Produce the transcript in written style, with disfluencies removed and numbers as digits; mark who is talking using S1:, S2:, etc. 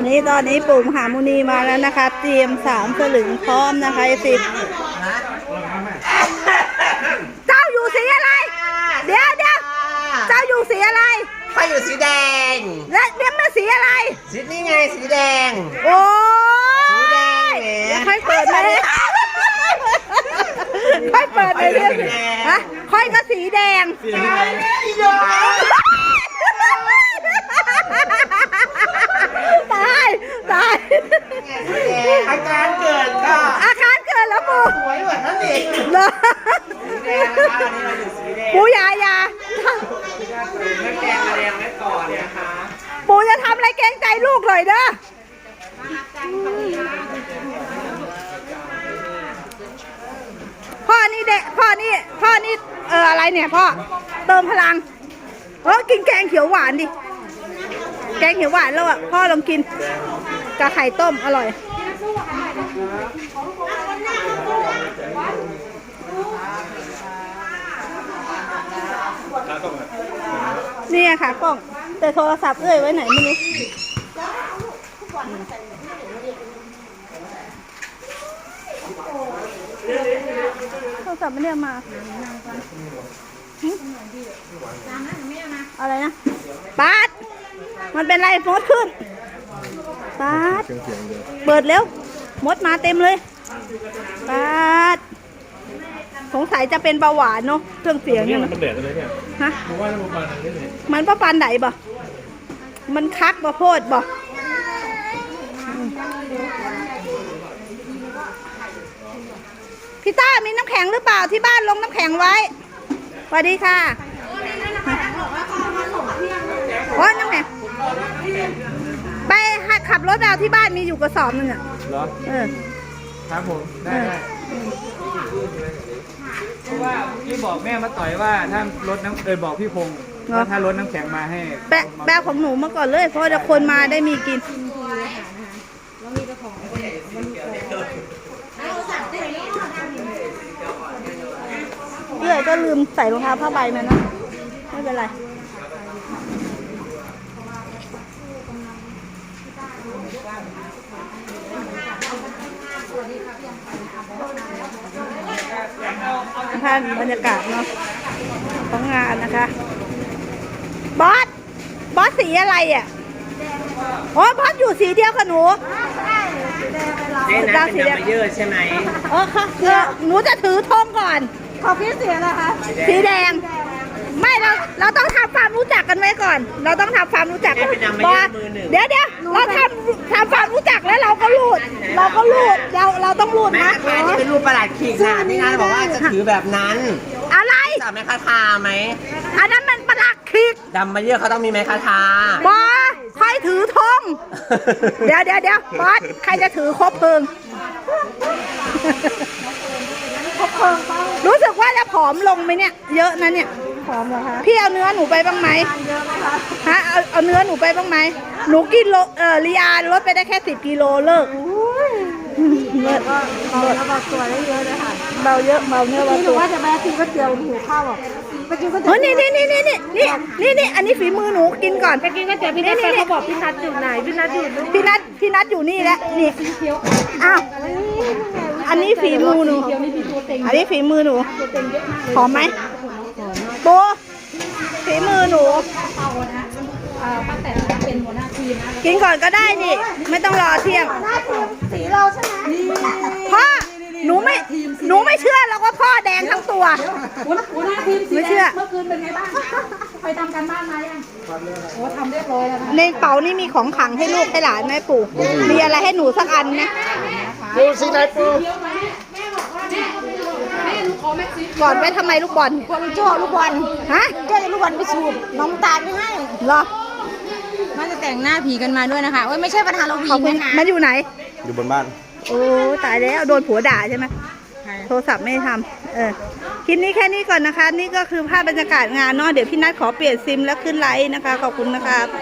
S1: ตอนนี้ปู่มหามุนีมาแล้วนะคะเตรียม3 สลึงพร้อมนะคะสิเจ้าอยู่สีอะไรเดี๋ยวเจ้าอยู่สีอะไร
S2: ข้าอยู่สีแดง
S1: และเรียกมาสีอะไร
S2: สีนี่ไงสีแดง
S1: โอ้
S2: สีแดงเนี่ย
S1: ค่อยเปิดเลยค่อยเปิดเลยเรื่องฮะค่อยก็สีแดงตาย
S2: อาการเกิดค่ะ
S1: อาการเกิดแล้วปู่
S2: สวยเหมือนนั่นเอง
S1: ปู่ยาปู่จะทำอะไรเกรงใจลูกหน่อยเด้อพ่อนี่อะไรเนี่ยพ่อเติมพลังกินแกงเขียวหวานดิแกงเขียวหวานแล้วอ่ะพ่อลองกินกับไข่ต้มอร่อยนี่ค่ะกล้องแต่โทรศัพท์ไว้ไหนไม่รู้โทรศัพท์ไม่ได้มาอะไรนะป๊าดมันเป็นไรมดขึ้นป๊าดเปิดเร็วมดมาเต็มเลยป๊าดสงสัยจะเป็นเบาหวานเนาะเครื่องเสียงเนี่ยมันเดือดเลยเนี่ยฮะมันประปันไหนบ่มันคักบ่โพดบ่พี่ต้ามีน้ำแข็งหรือเปล่าที่บ้านลงน้ำแข็งไว้สวัสดีค่ะน้ำแข็งไปขับรถเอาที่บ้านมีอยู่กระสอบนึงอ่ะเหรอ
S3: ครับผมได้เพราะว่าพี่บอกแม่มาต่อยว่าถ้ารถน้ำบอกพี่พงศ์ว่าถ้ารถน้ำแข็งมาให้
S1: แบกของหนูมาก่อนเลยเพราะจะคนมาได้มีกินเพื่อก็ลืมใส่รองเท้าผ้าใบมานะไม่เป็นไรท่านบรรยากาศเนาะของงานนะคะบอสสีอะไรอ่ะบอสอยู่สีเดียวกับหนู
S2: เป็นดำมาเยอะใช่ไหม
S1: ค่ะหนูจะถือธงก่อนขอพี่สีอะไรคะสีแดงไม่เราต้องทำความรู้จักกันไว้ก่อนเราต้องทำความรู้จักกันบอสเดี๋ยวเราทำความรู้จักแล้วเราก็รูดเราต้องรูดนะ
S2: อันนี้เป็นรูปประหลาดขีดค่ะนี่ไงบอกว่าจะถือแบบนั้น
S1: อะไร
S2: จับไม้คาทาไหม
S1: อันนั้นมันประหลาดขีด
S2: ดำมาเยอะเขาต้องมีไม้คาทา
S1: บอสใครถือธงเดี๋ยวบอสใครจะถือคบเพลิงรู้สึกว่าจะผอมลงไหมเนี่ยเยอะนะเนี่ยผอมเหรอคะพี่เอาเนื้อหนูไปบ้างไหมฮะเอาเนื้อหนูไปบ้างไหมหนูกินลีอาลดไปได้แค่10 กิโลเลิกเบาตัวได้เยอะเลยค่ะเบาเยอะเบาเนื้อเบาตัวว่าจะมากินก๋วยเตี๋ยวหิวข้าวอ่ะไปกินก๋วยเตี๋ยวนี่อันนี้ฝีมือหนูกินก่อน
S4: ไปกินก๋วยเตี๋ยวพี่นัทเขาบอกพี่นัทอยู่ไหนพี่นัท
S1: อยู่นี่แหละนี่อ้าวอันนี้ฝีมือหนูหอมไหมโบฝีมือหนูกินก่อนก็ได้นี่ไม่ต้องรอเที่ยงสีเราใช่ไหมพ่อหนูไม่เชื่อแล้วว่าพ่อแดงทั้งตัวไม่เชื่อ
S4: เมื่อคืนเป็นไงบ้างไปทำการบ้านมายังโอ้ทำเรียบร้อยแล้ว
S1: ในเป๋านี่มีของขังให้ลูกให้หลานไหมปู่มีอะไรให้หนูสักอันนะ
S2: ปูสีไหนปู
S1: ก่อนไว้ทำไมลูกบอล
S4: จ่อลูกบอล
S1: ฮะ
S4: จ่อลูกบอลไปสูบน้องตาลไม่ให้
S1: เหรอ
S4: มันจะแต่งหน้าผีกันมาด้วยนะคะไม่ใช่ประธานเราผีนะคะ
S1: มันอยู่ไหน
S2: อยู่บนบ้าน
S1: โอ้ตายแล้วโดนผัวด่าใช่ไหมโทรศัพท์ไม่ทำคลิปนี้แค่นี้ก่อนนะคะนี่ก็คือภาพบรรยากาศงานเนาะเดี๋ยวพี่นัทขอเปลี่ยนซิมแล้วขึ้นไลน์นะคะขอบคุณนะคะ